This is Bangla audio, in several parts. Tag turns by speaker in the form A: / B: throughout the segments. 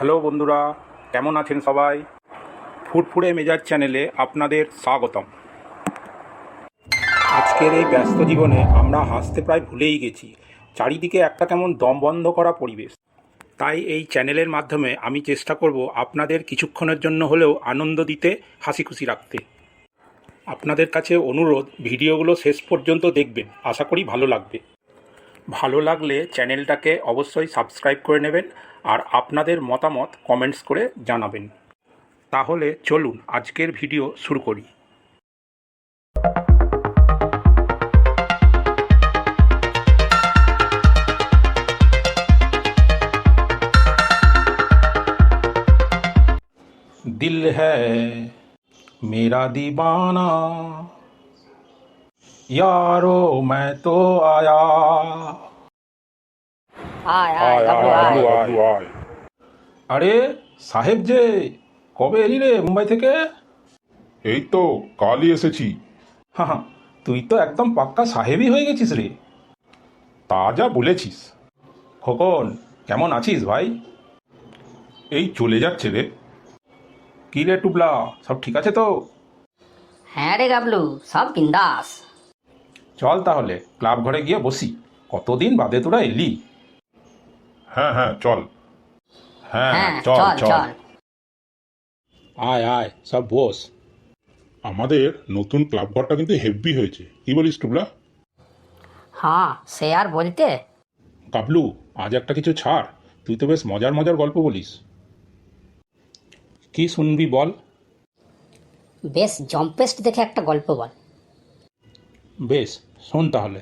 A: হ্যালো বন্ধুরা, কেমন আছেন সবাই? ফুরফুরে মেজাজ চ্যানেলে আপনাদের স্বাগতম। আজকের এই ব্যস্ত জীবনে আমরা হাসতে প্রায় ভুলেই গেছি। চারিদিকে একটা কেমন দম বন্ধ করা পরিবেশ। তাই এই চ্যানেলের মাধ্যমে আমি চেষ্টা করব আপনাদের কিছুক্ষণের জন্য হলেও আনন্দ দিতে, হাসি খুশি রাখতে। আপনাদের কাছে অনুরোধ, ভিডিওগুলো শেষ পর্যন্ত দেখবেন, আশা করি ভালো লাগবে। ভালো লাগলে চ্যানেলটাকে অবশ্যই সাবস্ক্রাইব করে নেবেন আর আপনাদের মতামত কমেন্টস করে জানাবেন। তাহলে চলুন আজকের ভিডিও শুরু করি। दिल है मेरा दीवाना, यारो मैं तो आया।
B: আয় আয় গাবলু আয়।
A: আয়। আরে সাহেব যে, কবে এলি রে মুম্বাই থেকে?
C: এই তো কালই এসেছি।
A: হ্যাঁ, তুই তো একদম পাক্কা সাহেবই হয়ে গেছিস রে।
C: তা যা বলেছিস।
A: খোকন, কেমন আছিস ভাই?
C: এই চলে যাচ্ছে রে।
A: কি রে টুবলা, সব ঠিক আছে তো?
B: হ্যাঁ রে গাবলু, সব বিন্দাস।
A: চল তাহলে ক্লাব ঘরে গিয়ে বসি, কতদিন বাদে তোরা এলি।
C: হ্যাঁ হ্যাঁ চল।
A: হ্যাঁ
B: হ্যাঁ
A: চল
B: চল
A: চল।
B: চল।
A: আয় আয়, সব বস।
C: আমাদের নতুন ক্লাব ঘরটা কিন্তু হেভি হয়েছে, কি বলিস টুবলা?
B: হ্যাঁ সে আর বলতে।
A: কাবলু, আজ একটা কিছু ছাড়, তুই তো বেশ মজার মজার গল্প বলিস। কি শুনবি বল?
B: বেশ জম্পেস্ট দেখে একটা গল্প বল।
A: বেশ, শোন তাহলে।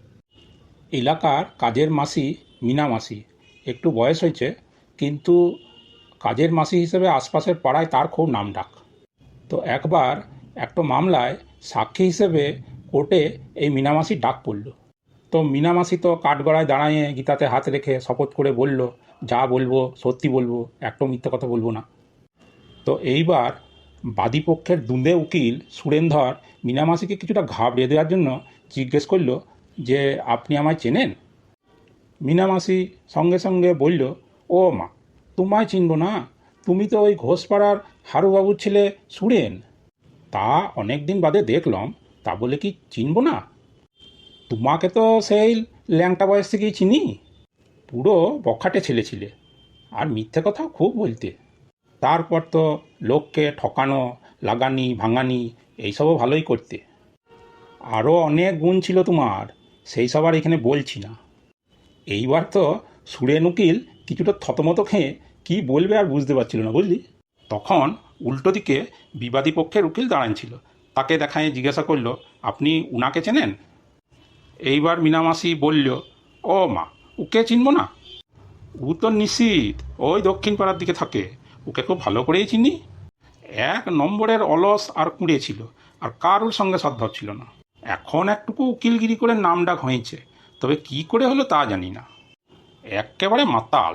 A: এলাকার কাজের মাসি মিনা মাসি, একটু বয়স হয়েছে, কিন্তু কাজের মাসি হিসেবে আশপাশের পাড়ায় তার খুব নামডাক। তো একবার একটা মামলায় সাক্ষী হিসেবে কোর্টে এই মিনামাসি ডাক পড়ল। তো মিনামাসি তো কাঠগড়ায় দাঁড়ায় গীতাতে হাত রেখে শপথ করে বলল, যা বলবো সত্যি বলবো, একটা মিথ্যে কথা বলবো না। তো এইবার বাদীপক্ষের দুঁদে উকিল সুরেন্দ্র মিনামাসিকে কিছুটা ঘাবড়িয়ে দেওয়ার জন্য জিজ্ঞেস করল যে, আপনি আমায় চেনেন? মিনামাসি সঙ্গে সঙ্গে বলল, ও মা, তোমায় চিনব না? তুমি তো ওই ঘোষপাড়ার হারুবাবুর ছেলে সুরেন। তা অনেক দিন বাদে দেখলাম, তা বলে কি চিনব না? তোমাকে তো সেই ল্যাংটা বয়স থেকেই চিনি। পুরো বখাটে ছেলে ছিলে, আর মিথ্যে কথাও খুব বলতে। তারপর তো লোককে ঠকানো, লাগানি ভাঙানি এইসবও ভালোই করতে। আরও অনেক গুণ ছিল তোমার, সেই সব আর এখানে বলছি না। এইবার তো সুরেন উকিল কিছুটা থতমত খেয়ে কী বলবে আর বুঝতে পারছিল না, বুঝলি। তখন উল্টো দিকে বিবাদী পক্ষের উকিল দাঁড়ান ছিল, তাকে দেখায় জিজ্ঞাসা করলো, আপনি উনাকে চেনেন? এইবার মিনামাসি বলল, ও মা, ওকে চিনব না? ও তো নিশ্চিত ওই দক্ষিণ পাড়ার দিকে থাকে, ওকে খুব ভালো করেই চিনি। এক নম্বরের অলস আর কুঁড়ে ছিল, আর কারোর সঙ্গে সদ্ভাব ছিল না। এখন একটুকু উকিলগিরি করে নামডাক হয়েছে, তবে কি করে হলো তা জানি না। একেবারে মাতাল।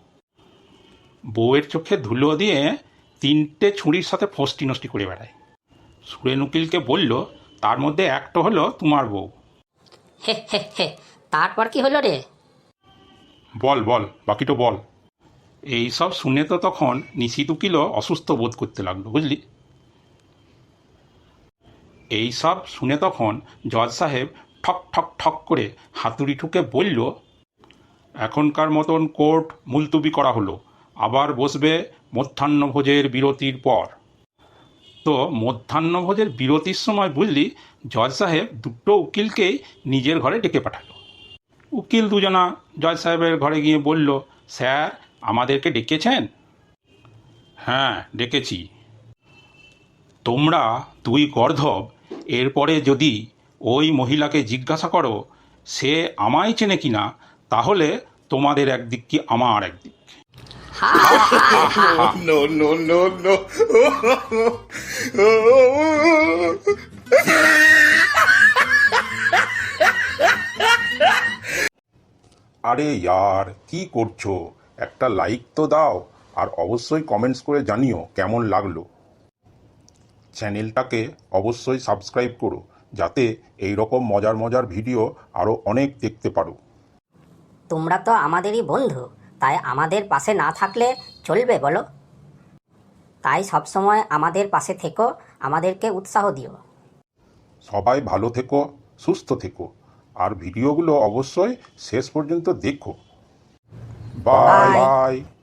A: বউয়ের চোখে ধুলো দিয়ে তিনটে ছুরির সাথে ফষ্টি নষ্টি করে বেড়ায়। সুরেন উকিলকে বলল, তার মধ্যে একটা হলো তোমার বউ।
B: হে হে হে, তারপর কি হলো রে?
C: বল বল, বাকিটা বল।
A: এই সব শুনে তো তখন নিশিত উকিলও অসুস্থ বোধ করতে লাগলো, বুঝলি। এই সব শুনে তখন জজ সাহেব ঠক ঠক ঠক করে হাতুড়ি ঠুকে বলল, এখনকার মতন কোর্ট মুলতুবি করা হলো, আবার বসবে মধ্যাহ্নভোজের বিরতির পর। তো মধ্যাহ্নভোজের বিরতির সময় বুঝলি, জজ সাহেব দুটো উকিলকেই নিজের ঘরে ডেকে পাঠালো। উকিল দুজনা জজ সাহেবের ঘরে গিয়ে বলল, স্যার, আমাদেরকে ডেকেছেন? হ্যাঁ ডেকেছি। তোমরা দুই গর্ধব এরপরে যদি ওই মহিলাকে জিজ্ঞাসা করো সে আমায় চেনে কিনা, তাহলে তোমাদের একদিক কি আমার একদিক।
C: No, no, no, no. আরে ইয়ার, কি করছো? একটা লাইক তো দাও, আর অবশ্যই কমেন্টস করে জানিও কেমন লাগলো। চ্যানেলটাকে অবশ্যই সাবস্ক্রাইব করো, যাতে এই রকম মজার মজার ভিডিও আরও অনেক দেখতে পারো।
B: তোমরা তো আমাদেরই বন্ধু, তাই আমাদের পাশে না থাকলে চলবে বলো? তাই সবসময় আমাদের পাশে থেকো, আমাদেরকে উৎসাহ দিও।
C: সবাই ভালো থেকো, সুস্থ থেকো, আর ভিডিওগুলো অবশ্যই শেষ পর্যন্ত দেখো। Bye
B: Bye.
C: বাই।